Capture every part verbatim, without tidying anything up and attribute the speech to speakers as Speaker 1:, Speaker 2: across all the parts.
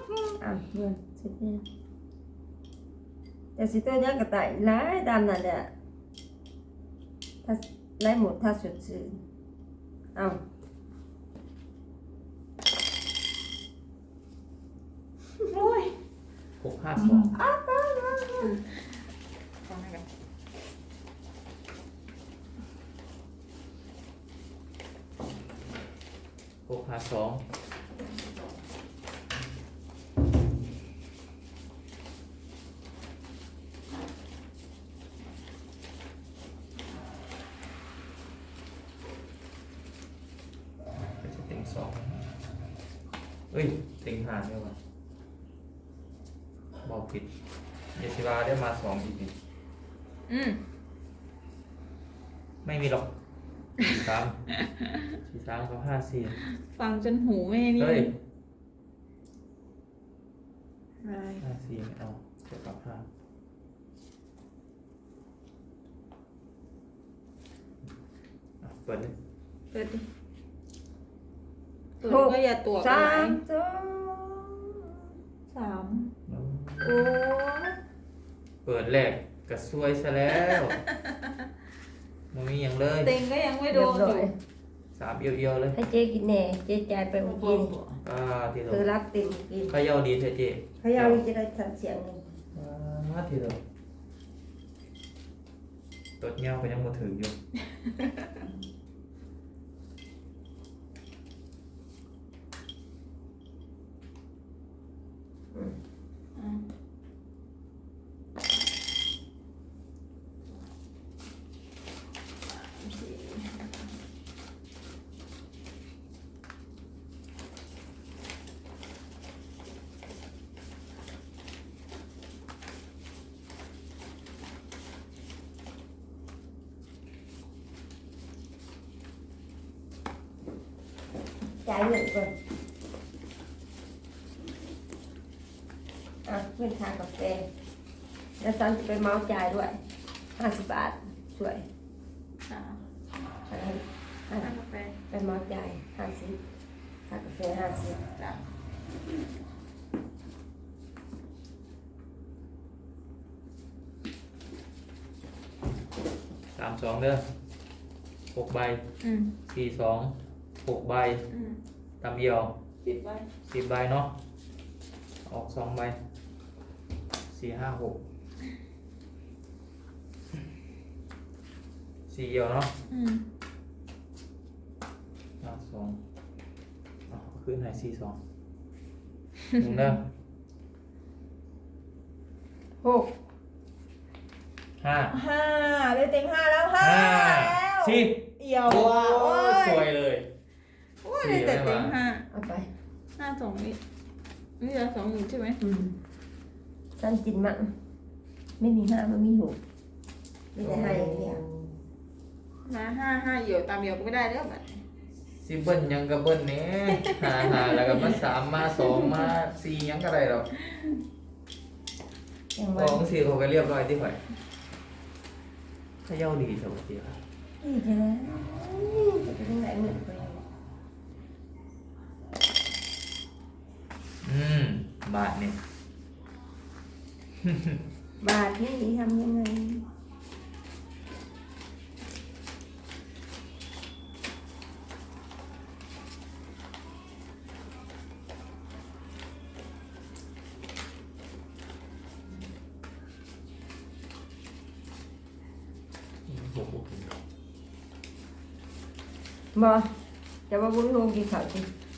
Speaker 1: อ่ะเงินสิเต้แต่สิเต้ยังกระต่ายหลายตามนั่นแหละถ้าไล่หมดถ้าสุดซื่อเอาโอ้ย
Speaker 2: หกห้าสอง
Speaker 1: อ้าวตายแล้ว
Speaker 3: ฟังให้กัน
Speaker 2: หกห้าสองจะเต็งสองเอ้ยเต็งห้าได้ป่ะบอกผิดเยชิวาได้มาสองอีกที
Speaker 3: อืม
Speaker 2: ไม่มีหรอกสี่สามสี่สามกับห้าสี่
Speaker 3: ฟังจนหูแม่นี่
Speaker 2: เฮ้ย
Speaker 3: อะไร
Speaker 2: ห้าสี่ไม่เอาเจ็ดกับห้าอ่ะเปิดเลย
Speaker 3: เปิดดิเปิดก็อย่าตัวกั
Speaker 1: สาน ม
Speaker 3: ไห
Speaker 1: สอง
Speaker 3: สาม
Speaker 1: โอ้ย
Speaker 2: เปิดแรกกระซวยซะแล้วมันมีอย่างเลย
Speaker 3: เต็งก็ยังไม่โด
Speaker 1: เรียบ
Speaker 3: น
Speaker 1: ร้
Speaker 3: อ
Speaker 1: อย
Speaker 3: ยู่
Speaker 2: สามเอียวๆเลย
Speaker 1: ให้เจ๊กินแหน่เจ๊จ่ายไปเมื่อกี้นี่
Speaker 2: อ่าทีเดีย
Speaker 1: เธอ
Speaker 2: ว
Speaker 1: รักติ่มกิน
Speaker 2: ขย่าดีเถอะเจ๊
Speaker 1: เขายาวนี่จะได้ทันเสียงหนึ่ง
Speaker 2: อ่าทีเดียวตดเงี้ยวก็ยังมาถึงอยู่
Speaker 3: อ่ะ
Speaker 1: จ่ายเงินก่อนอ่ะเงินค่ากาแฟแล้วซันจะไปเมาจ่ายด้วยห้าสิบบาทช่วย
Speaker 3: อ่ะ
Speaker 1: ให้ให้
Speaker 3: อ่ะกาแฟ
Speaker 1: ไปเมาจ่ายห้าสิบค่ากาแฟห้าสิบ
Speaker 3: จ้ะ
Speaker 2: สามสองเด้อหกใบ
Speaker 3: อืม
Speaker 2: สี่สองหกใบ
Speaker 3: อืม
Speaker 2: ตามเอียว
Speaker 3: ปิดไว้
Speaker 2: สิบใบเนาะออกสองใบสี่ห้าหกสี่เอียวเนาะ
Speaker 3: อืม
Speaker 2: ห้าสองอ๋อขึ้นไหนสี่สองหนึ่งเด้อ
Speaker 1: หก
Speaker 2: ห้า
Speaker 3: ห้าได้เต็งห้าแล้วห้า
Speaker 2: ห้า
Speaker 3: แล้ว
Speaker 2: สี่
Speaker 3: เอี่ยว
Speaker 2: โอ้
Speaker 3: อ่ะโอ้
Speaker 2: สวย
Speaker 3: ย
Speaker 2: เลย
Speaker 3: โอ้ยได้แต่เต็งห้า
Speaker 1: เอาไป
Speaker 3: ห้าสองนี่นี่เหลือสองหมื่นใช่ไหม
Speaker 1: อืมซันกินมั่งไม่มีห้าไม่มีหกไม่ได้ให้อย่างเดียว
Speaker 3: มาห้าห้าเหี่ยวตามเหี่ยวก็ไม่ได้แล้วบัด
Speaker 2: สิเบิ้ลยังกับเบิ้ลเนี้ยหาหาแล้วก็มาสามมาสองมาสี่ยังก็ได้หรอก
Speaker 1: ยัง
Speaker 2: ส
Speaker 1: ว่า
Speaker 2: องสี่เขาก็เรียบร้อยที่ข่อยเขย่าดีเถอะเจีย
Speaker 1: นี่จะได้จะไปทางไหนเงินไป
Speaker 2: อืมบาทเนี่ย
Speaker 1: บาทนี่ทำยังไงบอจะว่าบุญโฮงกินข้าวสิ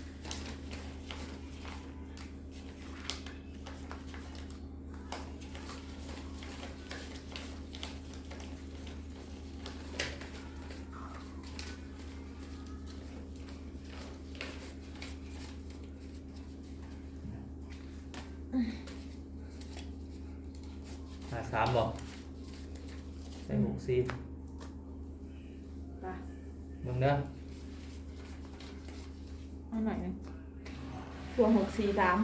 Speaker 2: หาสามบอกใส่หกสี่
Speaker 3: ไป
Speaker 2: มึงเด้อ
Speaker 3: เอาหน่อยหนึงบวกหกสี่สาม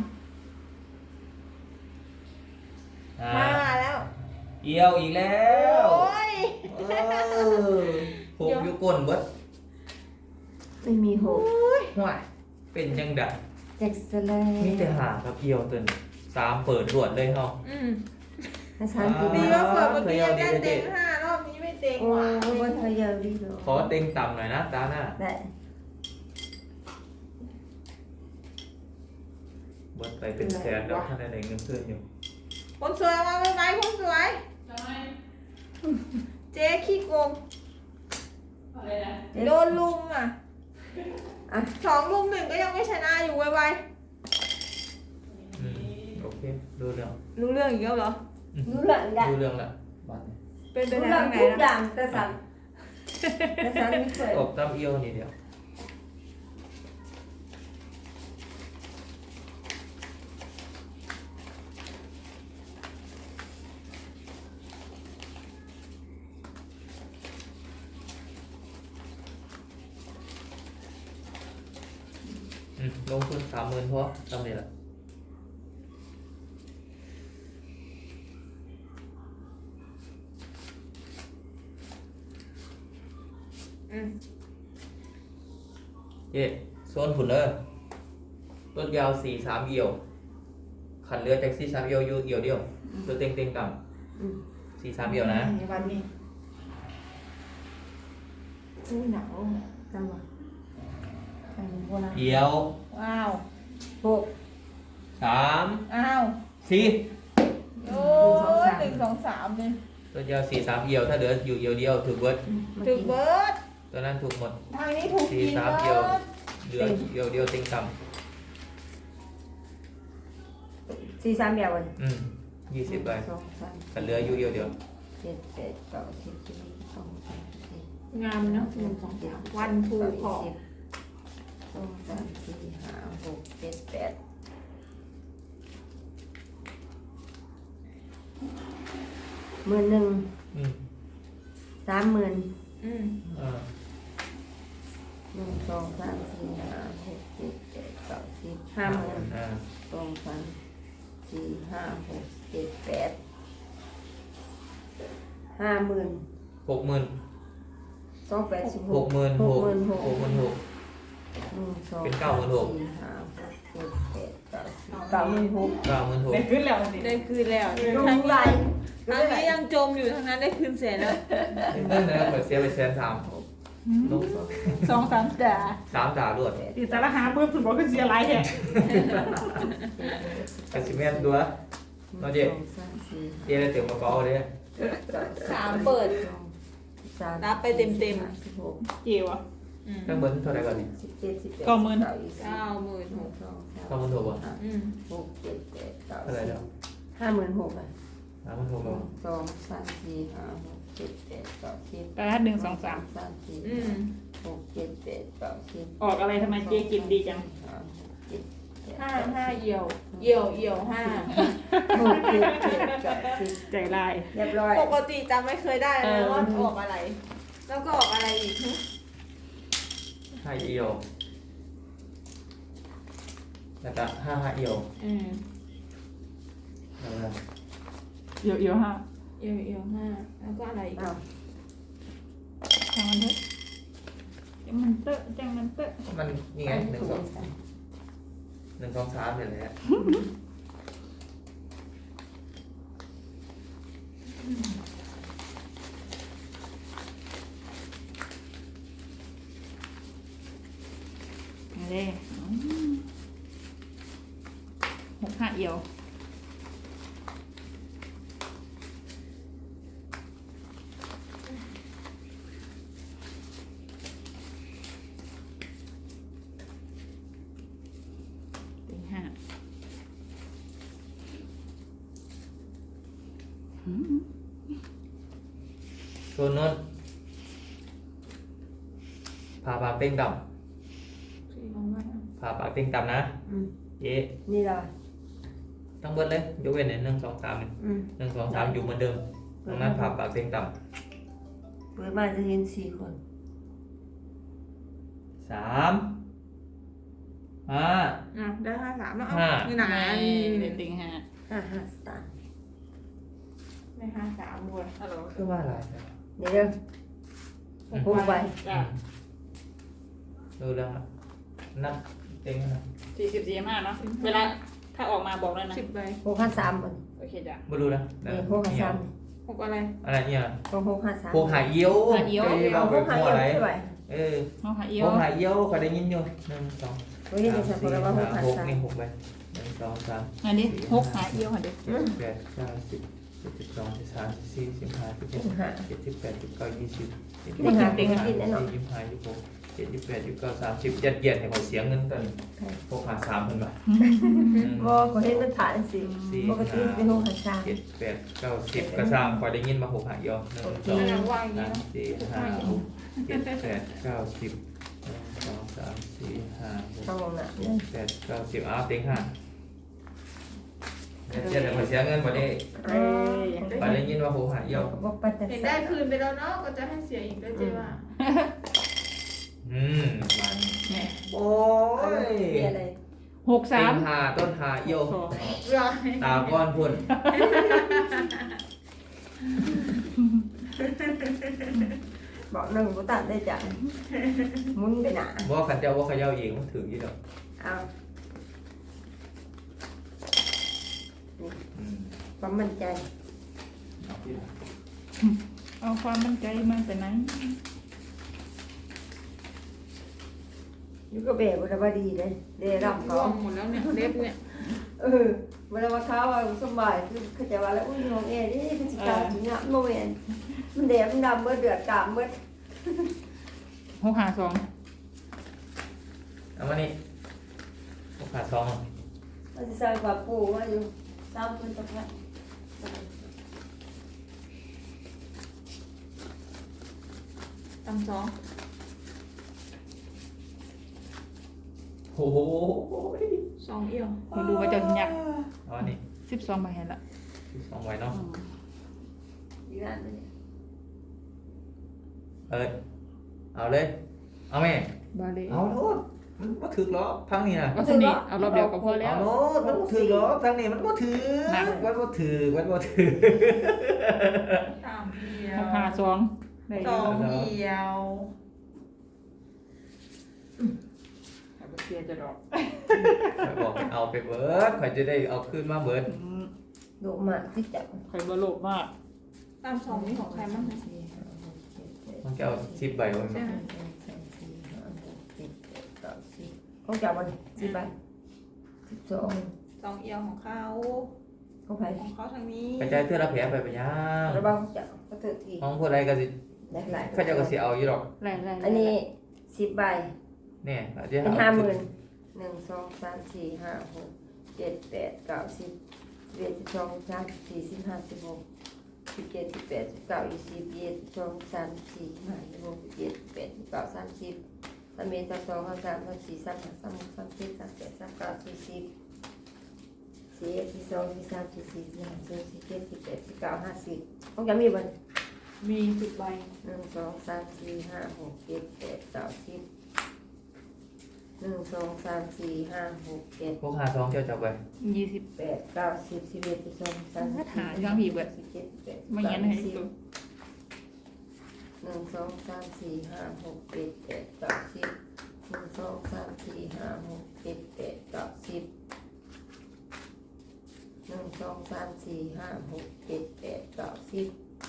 Speaker 2: อ่า
Speaker 3: ห้าแล้ว
Speaker 2: เอียวอีกแล้ว
Speaker 3: โอ้ย
Speaker 2: เออหกอยู่ก้นเบิด
Speaker 1: ไม่มีหก
Speaker 2: ห่วยเป็นจังได
Speaker 3: ห
Speaker 1: เจ็กสลาย
Speaker 2: มีแต่หากับเอียวตัวนี้สามเปิดรวดเลยเนาะ
Speaker 3: อืม
Speaker 1: ถ้าฉันกิน
Speaker 3: ดี
Speaker 1: ได้
Speaker 3: ว่าเปิดเมื่อกี้ยังได้เต็งห้ารอบนี้ไม่เต็ง
Speaker 1: โอ้
Speaker 3: หวาน
Speaker 1: บนเธอยาวดีเลย
Speaker 2: ขอเต็งต่ำหน่อยนะตาหน้า
Speaker 1: ได้
Speaker 2: เบิดไปเป็นแสนแล้วท่านใดเงินเพื่อนอยู่
Speaker 3: คนสวยมาไหมไหมคนสวยเจ๊ขี้โกงโดนลุมอ่ะ
Speaker 1: อ่ะ
Speaker 3: สองลุมหนึ่งก็ยังไม่ชนะอยู่ไว
Speaker 2: อืมโอเคดูเรื่อง
Speaker 3: ๆรู้เรื่องอีกแล้วเหรอ
Speaker 1: รู้เรื่องได้
Speaker 2: ดูเรื่องละบัดนี้
Speaker 3: เป็นไป
Speaker 1: รู้
Speaker 3: ได้
Speaker 1: เรื่อง
Speaker 3: ทางไหน
Speaker 1: ทุกอ
Speaker 3: นะ
Speaker 1: ย่างแต่ฉันแต่ฉันไม่เคย
Speaker 2: ตบตามเอียวนี่เดียว อืมลงทุนสามหมื่นพอทำนี่แหละ
Speaker 3: อืม
Speaker 2: เย่โซนผุนเลยต้นยาวสี่สามเอียว ขันเรือจากสี่สามเอียวอยู่เอียวเดียวตัวเต็งเต็งต่
Speaker 1: อืม
Speaker 2: ำสี่สามเอียวนะ
Speaker 3: ในวันนี้อู้หนาว
Speaker 1: จำไว้จำไว้นะ
Speaker 2: เอียว
Speaker 3: ว้าว
Speaker 1: หก
Speaker 2: สาม
Speaker 3: อ้าว
Speaker 2: สี่
Speaker 3: โอ้หนึ่งสองสามเลย
Speaker 2: ต้นยาวสี่สามเอียวถ้าเหลืออยู่เอียวเดียวถูกเบิร์ด
Speaker 3: ถูกเบิร์ด
Speaker 2: ตัวนั้นถูกหมด
Speaker 3: ทางนี้ถูก
Speaker 2: สี่
Speaker 3: กิน
Speaker 2: สาม
Speaker 3: เบิ
Speaker 2: เอียว
Speaker 3: ร์ด
Speaker 2: เหลือเอียวเดียวเต็งต่
Speaker 1: สี่สามเดียวเลย
Speaker 2: ำอืมยี่สิบใบ
Speaker 1: สองสาม
Speaker 2: ขันเรืออยู่เอียวเดียว
Speaker 1: เจ็ดแปดเก้าสิบสิบเอ็ดสิบสองสิบสามสิบสี่
Speaker 3: งามเนาะหนึ่งสองสามวันทูขอ
Speaker 1: สิบสองสามสี่ห้าหกเจ็ดแปดหมื่นหนึ่ง
Speaker 2: อืม
Speaker 1: สามหมื่น
Speaker 3: อืม
Speaker 2: อ่า
Speaker 1: หนึ่งสองสามสี่ห้าหกเจ็ดแปดเก้าสิบห้าหมื่น
Speaker 2: อ่า
Speaker 1: สองสามสี่ห้าหกเจ็ดแปดห้าหมื่น
Speaker 2: หกหมื่น
Speaker 1: สองแปดสิบห
Speaker 2: ห
Speaker 1: ก
Speaker 2: กหมื่น
Speaker 1: ห
Speaker 2: ห
Speaker 1: ก
Speaker 2: ก
Speaker 1: หมื่นหก
Speaker 2: หกหมื่นหก
Speaker 1: หนึ่งสอง
Speaker 2: เป็นเก้าหมื่นหก
Speaker 1: สี่ห้าหกเจ็ดแปดเก้าสิบเก้าหมื่นหก
Speaker 2: เก้าหมื่นหก
Speaker 3: ได้ขึ้นแล้วได้คืนแล้ว
Speaker 1: ล
Speaker 3: ทาง
Speaker 1: งไหล
Speaker 3: นี้ทางนี้ยังจมอยู่ทางนั้นได้คืนแสนแล้ว
Speaker 2: เงินนะเปิดเสียไปแสนสามลง
Speaker 4: สองสามจ่า
Speaker 2: สามจ่าด้วย
Speaker 4: ติดสารหาเพิ่มสุดบอกคือเสียไรแฮะ
Speaker 2: กสิเมนตัว
Speaker 1: หนึ่งสองสามสี่
Speaker 2: เจ๊ได้เต็มกระเป๋าเลย
Speaker 3: สามเปิด
Speaker 1: สองสาม
Speaker 3: รับไปเต็มๆ
Speaker 1: สิบห้าสิบหก
Speaker 4: เจียวอ่ะ
Speaker 3: อืม
Speaker 2: เครื่องเบิ้ลเท่าไหร่ก่อนนี่
Speaker 1: สิบเจ็ดสิบแปด
Speaker 4: เก้าหมื่น
Speaker 1: สิบยี่สิบ
Speaker 3: เก้าหมื่น
Speaker 1: ห
Speaker 3: ห
Speaker 1: นึ่
Speaker 3: ก
Speaker 1: งสองสาม
Speaker 2: เก้าหมื่นหกอ่ะ
Speaker 3: อืม
Speaker 1: หกเจ็ดแปดเก้า
Speaker 2: เท่าไหร่
Speaker 1: สิ
Speaker 2: แล้
Speaker 1: บ
Speaker 2: ว
Speaker 1: ห้าหมื่นหกอ่ะ
Speaker 2: สามหมื่นหก
Speaker 1: ห
Speaker 2: แล้ว
Speaker 1: นึ่งสองสามสี่ห้าหกเจ็ดแปดเก้าสิบ
Speaker 4: แปดหนึ่งสองสาม
Speaker 1: สามสี่
Speaker 3: อืม
Speaker 1: หกเจ็ดแปดเก้าสิบ
Speaker 4: ออกอะไรทำไมเจ๊กินดีจัง
Speaker 1: ห้าหกเจ็ดแปด
Speaker 3: ห้า
Speaker 1: เก้สิบ
Speaker 3: ห้าเอี่ยวเอี่ยวเอี่ยวห้า
Speaker 1: หกเจ็ดแปดเก้าสิบ
Speaker 4: ใจลาย
Speaker 1: เรียบร้อย
Speaker 3: ปกติจำไม่เคยได้เลยว่าออกอะไร แล้วก็ออกอะไรอีกหึ
Speaker 2: ห้าเอียวแล้วก็ห้าห้าเอียว
Speaker 3: อืม
Speaker 2: แล้วก็
Speaker 4: เอียวเอียวห้า
Speaker 3: เอี่ยวเอี่ยวห้าแล้วก็อะไรอีก
Speaker 1: อ้าว
Speaker 4: จังมันเถอะจังมันเตอะจังมันเตอะ
Speaker 2: มันนี่ไงหนึ่งสองหนึ่งสองสามเลยแหละ
Speaker 4: มาเลยหกห้าเอียวติงห้าอืม
Speaker 2: โซนนู้นพาปากเต็งต่
Speaker 3: สี่ของว่า
Speaker 2: ำพาปากเต็งต่ำนะ
Speaker 1: อืม
Speaker 2: เจ๊
Speaker 1: นี่ละ
Speaker 2: ต้องเบิ้ลเลยยกเว้นเนี่ยหนึ่งสองสามเนี่ย
Speaker 1: อืม
Speaker 2: หนึ่งสองสามอยู่เหมือนเดิมตรงนั้นพาปากเต็งต่
Speaker 1: เปิดมาจะเห็นสี่คน
Speaker 2: ำสามห้า
Speaker 3: อ่ะได้ห้าสามแล้ว
Speaker 2: ห้า
Speaker 3: นี่ไหน
Speaker 4: เด่นติงห้า
Speaker 1: ห้าห้าสาม
Speaker 3: ได้ห้าสามด้วยฮัลโหล
Speaker 2: คือว่าอะไร
Speaker 1: เดี๋ยวเด้อหกใบ
Speaker 4: จ้ะ
Speaker 2: ดูเรื่องละนับเต็งนะ
Speaker 4: สี่สิบสี่ห้าเนาะเวลาถ้าออกมาบอกแล้วนะ
Speaker 3: สิบใบ
Speaker 1: หกห้าสามมัน
Speaker 4: โอเคจ้ะ
Speaker 2: ไม่รู้นะ
Speaker 1: นี่หกห้าสาม
Speaker 3: หกอะไร
Speaker 2: อะไรเนี่ย
Speaker 1: หกหกห้าสาม
Speaker 2: พวกหายเอี้ยว
Speaker 4: หายเอี้ยว
Speaker 2: ไป
Speaker 1: เอา
Speaker 2: เอา
Speaker 1: ห
Speaker 2: ไป
Speaker 1: กห้า
Speaker 2: หัว
Speaker 1: เอียว
Speaker 2: อะไร
Speaker 1: ใช่ไหม
Speaker 2: เออ
Speaker 4: น้องหาเอียว
Speaker 2: พวกหายเอี้ยวคอยได้ยินอยู่หนึ่งสอง
Speaker 1: เฮ้ยนี่ฉันบอกแล้วว่าหกห้า
Speaker 2: หก
Speaker 1: สาม
Speaker 2: นี่หกไปหนึ่งสองสาม
Speaker 4: อันนี้หกหาเอียวค่ะเด็ก
Speaker 2: เจ็ดแปดเก้าสิบสิบเอ็ดสิบสองสิบสามสิบสี่สิบห้าสิบหกสิบเจ็ดสิบแปดสิบเก้ายี่สิบยี่สิบ
Speaker 1: นี่
Speaker 2: เอ็ด
Speaker 1: หา
Speaker 2: ยี่
Speaker 1: เป็น
Speaker 2: สิบ
Speaker 1: กินแน่นอน
Speaker 2: ยี่สิบห้ายี่สิบหกเจ็ดยี่สิบแปดยี่สิบเก้าสามสิบยัดเยียดให้หมดเสียงเงินกันพวกหาสามพันบาท
Speaker 1: บ่ก็เห็นมันผ่านสิ
Speaker 2: สี่
Speaker 1: ปกติเป็นหกห้าสาม
Speaker 2: เจ็ดแปดเก้าสิบกระซังคอยได้ยินมาหกหายเอี้ยวหนึ่งสอง
Speaker 3: นั่งว่างอย่าง
Speaker 2: สา
Speaker 3: นี้
Speaker 2: ม
Speaker 3: เนาะ
Speaker 2: สี่ห้าหกเจ็ดแปดเก้าสิบหนึ่งสองสามสี่ห้าหก
Speaker 1: เข้าห้องน้ำ
Speaker 2: เจ็
Speaker 1: เนี่ย
Speaker 2: ดแปดเก้าสิบอ้าวเต็งห้าเดี๋ยวจะเสียเงินวันนี้
Speaker 1: เอ้ย
Speaker 2: ไปได้ยินว่าหกหายเอี้ยว
Speaker 1: บอกปัจจัย
Speaker 3: เห็นได้คืนไปแล้วเนาะก็จะให้เสียอีกด้วยเจ๊ว่า
Speaker 2: อืมมัน
Speaker 4: แหม่
Speaker 2: โอ้ย
Speaker 1: มีอะไร
Speaker 4: หก
Speaker 2: เต็
Speaker 4: สาม
Speaker 2: งหาต้นหาเอี้ยว
Speaker 4: สอง
Speaker 3: ร้อย
Speaker 2: ตาก้อนพุ่น
Speaker 1: บอกหนึ่งกูตัดได้จ้ะมุนไปหนา
Speaker 2: ว่าขันเจ้าว่าขย้าเองมันถึงยี่ดอก
Speaker 1: เอา
Speaker 2: อืม
Speaker 1: ความมั่นใจ
Speaker 2: เอาที่
Speaker 4: เอาความมั่นใจมาแต่ไหน
Speaker 1: อยู่ก็เบรกเวลาว่าดีเลยเดรับเขา
Speaker 3: ร่วงหมดแล้วเนี่ยเล็บเนี่ย
Speaker 1: เออเวลาว่าเขาว่าสบายคือเขาจะว่าแล้วอุ้ยน้องเอ๋นี่คือสิกาจริงอ่ะโมเมนมันแดงมันดำเมื่อเดือดกามเมื่อ
Speaker 4: หกหาสอง
Speaker 2: เอามานี่หกหาสอง
Speaker 1: มันจะสร้างความปูว่าอยู่ตามคนตะพัด
Speaker 3: ตำสอง
Speaker 2: โอ้โห
Speaker 3: สองเอี่ยว
Speaker 4: มาดูว่าเจะหยัก
Speaker 2: เอามานี่
Speaker 4: สิบสองใบเห็นละ
Speaker 2: สองไว้เนาะ
Speaker 1: อยู่นั่นเลย
Speaker 2: เอิดเอาเลย เอาแม่
Speaker 4: บาเลย
Speaker 2: เอาโน้ตมันบ่ถึกหรอกทางนี้นะ
Speaker 4: เอาสนิทเอารอบเดียวก็พอแล้
Speaker 2: เอา
Speaker 4: ว
Speaker 2: โน้ตมันบ่ถึกหรอกทางนี้มันบ่ถึก
Speaker 4: หนัก
Speaker 2: มันบ่ถึกมันบ่ถึก
Speaker 3: สามเอี่ย
Speaker 4: ห
Speaker 3: ว
Speaker 4: กหาสองได้
Speaker 3: สองเอี่ยว
Speaker 4: เอาไปเสียจะดอก
Speaker 2: ข่อยบอกให้เอาไปเบิดข่อยจะได้เอาขึ้นมาเบิด
Speaker 4: อืม
Speaker 1: ดูมาที่จับ
Speaker 4: ใครบ่โลภมาก
Speaker 3: ตำสองนี่ของใครบ้างคะ
Speaker 1: สี่ห้าหกเจ็ดแปด
Speaker 2: มันจะเอาสิบใบไว้มั้ย
Speaker 1: ของจับมันสิบใบสิบสอง
Speaker 3: สองเอี่ยวของเขา
Speaker 1: ของใคร
Speaker 3: ของเขาทางนี้
Speaker 2: กระจายเทื่อละแผลไปไปย่าง
Speaker 1: ระบ้าจับก็เถิดที
Speaker 2: ห้องผู้ใดก็สิ
Speaker 1: ได้หลาย
Speaker 2: เขาเจะก็สิเอาอยู่ดอก
Speaker 4: ไล่ไล่
Speaker 1: อันนี้สิบใบ
Speaker 2: เนี่ยอาจจะ
Speaker 1: เป็นห้าหมื่นหนึ่งสองสามสี่ห้าหกเจ็ดแปดเก้าสิบสิบเอ็ดสิบสองสิบสามสิบสี่สิบห้าสิบหกสิบเจ็ดสิบแปดสิบเก้ายี่สิบยี่สิบสองสามสี่ห้าหกเจ็ดแปดสิบเก้าสามสิบสามเอ็ดสามสองสามสามสามสี่สามห้าสามหกสามเจ็ดสามแปดสามเก้าสี่สิบสี่เอ็ดสี่สองสี่สามสี่สี่สี่ห้าสี่เจ็ดสี่แปดสี่เก้าห้าสิบของจะมีบัน
Speaker 3: มีสิบใบ
Speaker 1: หนึ่งสองสามสี่ห้าหกเจ็ดแปดเก้าสิบหนึ่งสองสามสี่ห้าหกเจ็ด
Speaker 2: พวกหาซองเจ้าจับไป
Speaker 4: ยี่สิบ
Speaker 1: แปดเก้าสิบสิบเอ็ดสิบสองสิบสามสิบ
Speaker 4: หายังมีเบิด
Speaker 1: สิบเจ็ดสิบแปดสิบ
Speaker 4: ไม่
Speaker 1: เก้า
Speaker 4: งั้นให้
Speaker 1: สิบ
Speaker 4: ตัว
Speaker 1: หนึ่งสองสามสี่ห้าหกเจ็ดแปดเก้าสิบหนึ่งสองสามสี่ห้าหกเจ็ดแปดเก้าสิบหนึ่งสองสามสี่ห้าหกเจ็ดแปดเก้าสิบ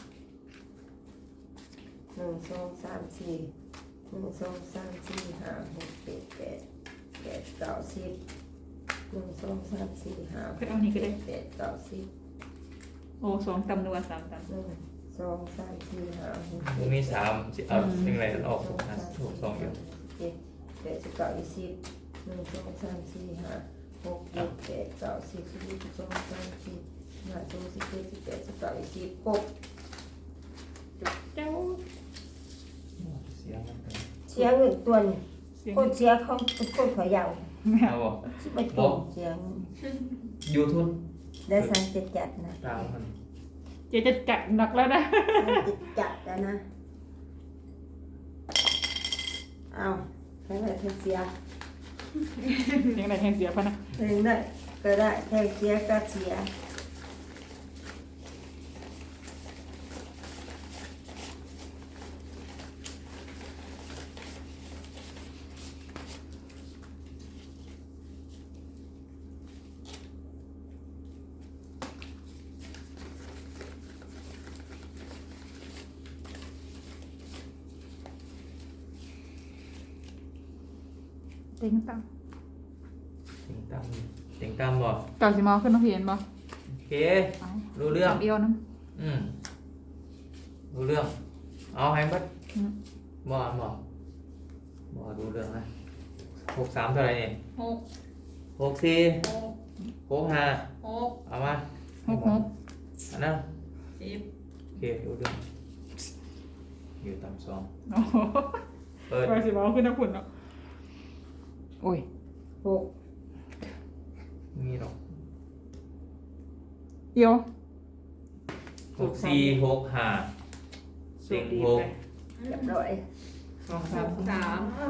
Speaker 1: หนึ่งสองสามสี่หนึ่งสองสามสี่ห้าหกเจ็ดแปดแปดเก้าสิบหนึ่งสองสามสี่ห้าหกเจ็ดแปดเก้าสิบ
Speaker 4: โอ้สองตำนัวสามตำ
Speaker 1: หนึ่งสองสามสี่ห้าหก
Speaker 2: มันมีสามสิเอาสิ่งไรออกหกหาถูกซองอยู่
Speaker 1: เจ็ดแปดสิบเก้ายี่สิบหนึ่งสองสามสี่ห้าหกเจ็ดแปดเก้าสิบสิบเอ็ดสิบสองสิบสามสิบสี่ห้าหกสิบเจ็ดสิบแปดสิบเก้ายี่สิบหก
Speaker 4: เจ้า
Speaker 2: เสียมันไป
Speaker 1: เสียเงินตัวนี้
Speaker 4: เสียง
Speaker 1: คนเสียเขาเป็นคนขอยาว
Speaker 2: เอาบ่
Speaker 1: สิบไปตรงเสียง
Speaker 2: ยูทุน
Speaker 1: ได้สันจัดจัดนะ
Speaker 2: ตามมัน
Speaker 4: เจ๊จะจัดหนักแล้วนะ
Speaker 1: สันจัดจัดแล้วนะเอาแค่ไหนแค่เสีย
Speaker 4: ยังไงแทงเสียพะนะ
Speaker 1: หนึ่งได้ก็ได้แค่เสียก็เสีย
Speaker 4: เต็งตั้ง
Speaker 2: เต็งตามเต็งตามบ่
Speaker 4: เก่าสิมาขึ้นน้องเพียนบ่
Speaker 2: โอเค
Speaker 4: เอา
Speaker 2: รู้เรื่อง
Speaker 4: สามเอียวนะ
Speaker 2: อืมรู้เรื่องเอาให้บัด
Speaker 4: อืม
Speaker 2: บ่บ่บ่รู้เรื่องนะหกสามเท่าไหร่เนี่ย
Speaker 3: หก
Speaker 2: หกสี่
Speaker 3: หก
Speaker 2: หกห้า
Speaker 3: หก
Speaker 2: เอามา
Speaker 4: หกหก
Speaker 2: อันนั้น
Speaker 3: สิบ
Speaker 2: โอเครู้เรื่องอยู่ตามสอง
Speaker 4: โอ้โห
Speaker 2: เปิด
Speaker 4: เก่าสิมาขึ้นน้ำฝุ่นเนาะโอ้ย
Speaker 1: หก
Speaker 2: มีหรอก
Speaker 4: เอียว
Speaker 2: หกสี่หกห้าเต็งหก
Speaker 1: เรียบร้อย
Speaker 4: สอง
Speaker 3: ห
Speaker 4: สาม
Speaker 3: กสาม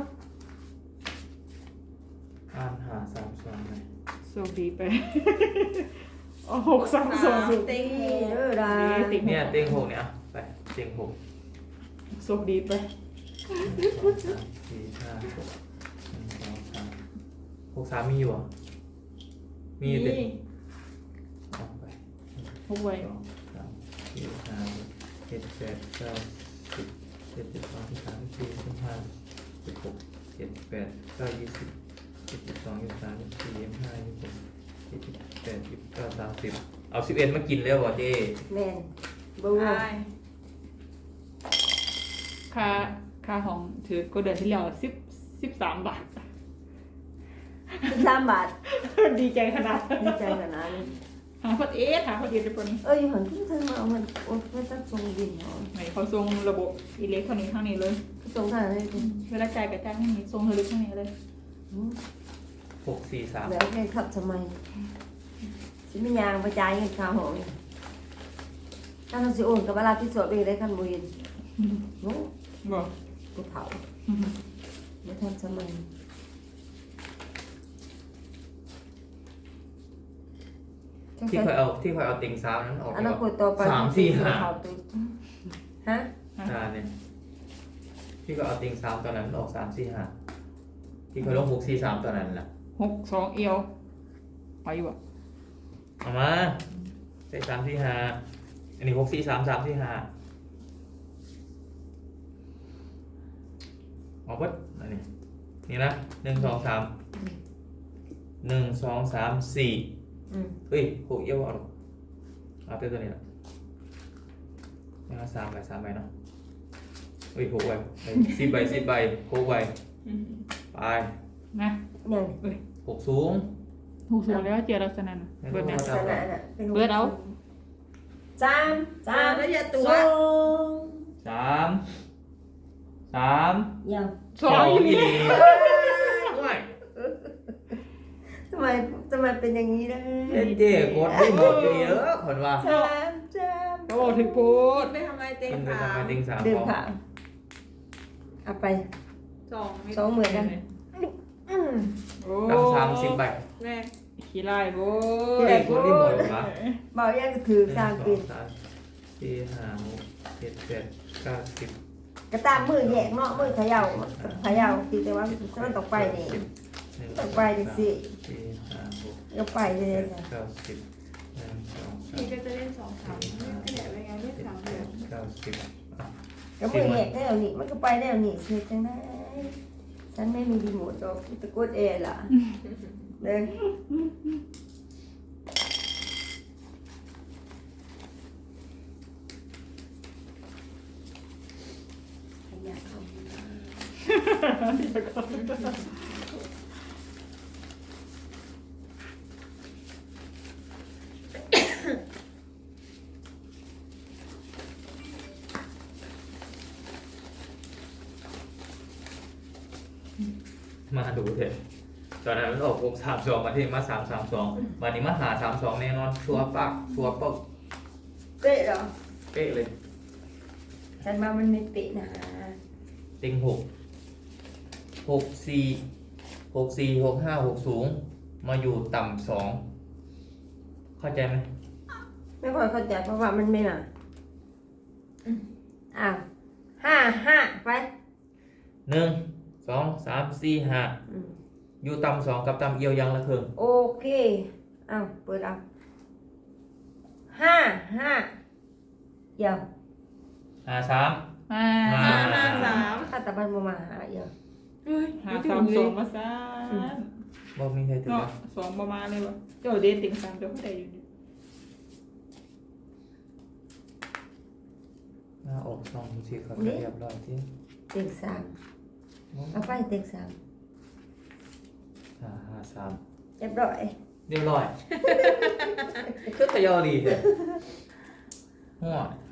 Speaker 2: อ่านหาสามสองเลย
Speaker 4: โชคดีไปโอ้หกสามสอง
Speaker 3: เต็งห
Speaker 1: นี่
Speaker 3: ก
Speaker 1: เด้อดา
Speaker 4: ติง
Speaker 2: เนี่ยเต็งหกเนี่ยอ่ะไปเต็งหก
Speaker 4: โชคดีไป
Speaker 2: หนึ่งสองสามสี่ห้าหกหนึ่งสองสามหกสามมีอยู่เหรอมีอยู่เด็ดเอาไป
Speaker 4: หกไว้
Speaker 2: สองสามสี่ห้าหกเจ็ดแปดเก้าสิบเจ็ดสิบสองสิบสามสิบสี่สิบห้าสิบหกเจ็ดแปดเก้ายี่สิบเจ็ดสิบสองยี่สิบสามยี่สิบสี่ยี่สิบห้ายี่สิบหกยี่สิบแปดยี่สิบเก้าสามสิบเอาสิบเอ็ดมากินแล้ววะเจ้
Speaker 1: แม่นบู
Speaker 3: ได้
Speaker 4: ค่าค่าของถือก็เดือนที่แล้วสิบสิบสามบาท
Speaker 1: สิบสามบาท
Speaker 4: ดีใจขนาด
Speaker 1: ดีใจขนาดนี้
Speaker 4: หาพอดเอ๊ะหาพอดีเดี๋ยวนี้
Speaker 1: เอ้ยอยู่หันขึ้นเธอมาเอามันโอ้ยไม่ต้องส่งบินเหรอ
Speaker 4: ไหนเขาส่งระบบอิเล็กทรอนิกส์ข้างนี้เลย
Speaker 1: ส่งทางไหนคุณ
Speaker 4: เวลาจ่ายกับจ่ายข้างนี้ส่งทะลุข้างนี้เลย
Speaker 2: หกสี่สาม
Speaker 1: แล้วแกขับทำไมสิไม่ยางไปจ่ายเงินค่าหอนี่ถ้าเราสิโอนกับเวลาที่สวดไปได้ขั้นบุญโอ้
Speaker 4: บอก
Speaker 1: กูเผาไม่ทันสมัย
Speaker 2: ที่เคยเอาที่เคยเอาติงสามนั้นออก
Speaker 1: อนาคตต่อไป
Speaker 2: สามสี่ห้า
Speaker 1: เผตัวฮะ
Speaker 2: อ่าเนี่ยที่ก็เอาติงสามตอนนั้นออกสามสี่ห้าที่เคยลงหกสี่สามตอนนั้นแหละ
Speaker 4: หกสองเอียวไปอยู่บ่
Speaker 2: เอามาใส่สามสี่ห้าอันนี้หกสี่สามสามสี่ห้าเอาวัดอันนี้นี่นะหนึ่งสองสามหนึ่งสองสามสี่
Speaker 1: อืม
Speaker 2: เฮ้ยหกเอี้ยวเอาหรอกเอาเต้ตัวนี้ละนี่ละสามใบสามใบเนาะเฮ้ยหกใบเฮ้ยสิบใบสิบใบหกใบไป
Speaker 4: นะ
Speaker 1: ยัง
Speaker 2: หกสูง
Speaker 4: ถูกสูงแล้วเจอลักษณะน่ะเบิดเนี่ย
Speaker 1: ลักษณะน่ะเป็น
Speaker 4: เบิดเอา
Speaker 1: จาม
Speaker 3: สา
Speaker 1: จาม ม
Speaker 3: แล้วอย่าตัว
Speaker 1: สอง
Speaker 2: สามสาม
Speaker 1: ยัง
Speaker 4: สองอยู่นี่
Speaker 2: ด้วย
Speaker 1: ทำไมทำไมเป็นอย่างนี้นะ
Speaker 2: เจ๊เจ๊กดไม่หมดอยู่ดีเออคนว่า
Speaker 1: จามจาม
Speaker 4: ก็บอกถึงพูด
Speaker 3: ไปทำไมเต็ง
Speaker 2: เป็นไป
Speaker 3: สา
Speaker 2: ทำไม
Speaker 3: ม
Speaker 2: ติงสาม
Speaker 1: ดื่ม
Speaker 2: พอ
Speaker 1: ค่ะเอาไป
Speaker 3: สอง
Speaker 1: สองหมื่นกันอืม
Speaker 4: โอ้
Speaker 2: ตั้งสามสิบใบ
Speaker 3: แม่
Speaker 4: ขี้ไล่โว้
Speaker 2: เจ๊
Speaker 4: ย
Speaker 2: กดไม่หมดวะ
Speaker 1: บอกยังก็ถือ
Speaker 2: หนึ่ง
Speaker 1: สาม
Speaker 2: สอ
Speaker 1: ปี
Speaker 2: งสามสี่ห้าหกเจ็ดแปดเก้าสิบ
Speaker 1: กระตามมือแยกเนาะมือเขย่าเขย่าตีแต่ว่ามันต้องไปนี่
Speaker 2: หนึ่ง
Speaker 1: ต้องไปดิสิ
Speaker 2: สี่ห้าหก
Speaker 1: ก็ไปเลย
Speaker 2: เจ็ด
Speaker 1: จ้ะ
Speaker 2: เก้าสิบหนึ่งสองสา
Speaker 3: พี่
Speaker 2: ม
Speaker 3: ก็จะเล่นสองสามไม่ใหญ่ไปไงเล่น
Speaker 2: เจ็ด
Speaker 3: สาม
Speaker 2: แป
Speaker 3: เดียว
Speaker 2: ดเก้าสิบอ่ะ
Speaker 1: ก็มือแยกได้แล้วนี่มันก็ไปได้แล้วนี่เสียจังได้ฉันไม่มีรีโมทหรอกตะกดเอล่ะเด้อขยะเข้ามา
Speaker 2: มาดูเถอะตอนนั้นมันออกหกสามสองมาที่มาสามสามสองวันนี้มาหาสามสองแน่นอนชัวร์ปักชัวร์ปัก
Speaker 1: เป๊ะเหรอ
Speaker 2: เป๊ะเลย
Speaker 1: ฉันมามันไม่เป๊ะนะ
Speaker 2: ติงหกหกสี่หกสี่หกห้าหกสูง มาอยู่ต่ำสองเข้าใจไหม
Speaker 1: ไม่ค่อยเข้าใจเพราะว่ามันไม่มาอ้าวห้าห้าไป
Speaker 2: หนึ่งสองสามสี่ห้า
Speaker 1: อืม
Speaker 2: อยู่ต่ำสองกับต่ำเอียวยังละเคิง
Speaker 1: โอเคอ้าวเปิดเอาห้าห้าเดี๋ยว
Speaker 2: หาสาม
Speaker 4: มา
Speaker 2: มา
Speaker 3: สามห้าสาม
Speaker 1: ถ้าตะบันมามาหาเดี๋ยว
Speaker 3: เฮ้ย
Speaker 4: หาสามสองมาซะ
Speaker 2: บอกมีใครถึง
Speaker 4: เนาะสองประมาณเลยวะเจ้าเดนติ่งสามเจ้าก็ได้อยู่ดิ
Speaker 2: หน้าออกสองสี่ครับเรียบร้อยที่
Speaker 1: เต็งสามเอาไปเต็งสาม
Speaker 2: ห้าห้าสาม
Speaker 1: เรียบร้อย
Speaker 2: เรียบร้อยคือขยอดีเลยหัว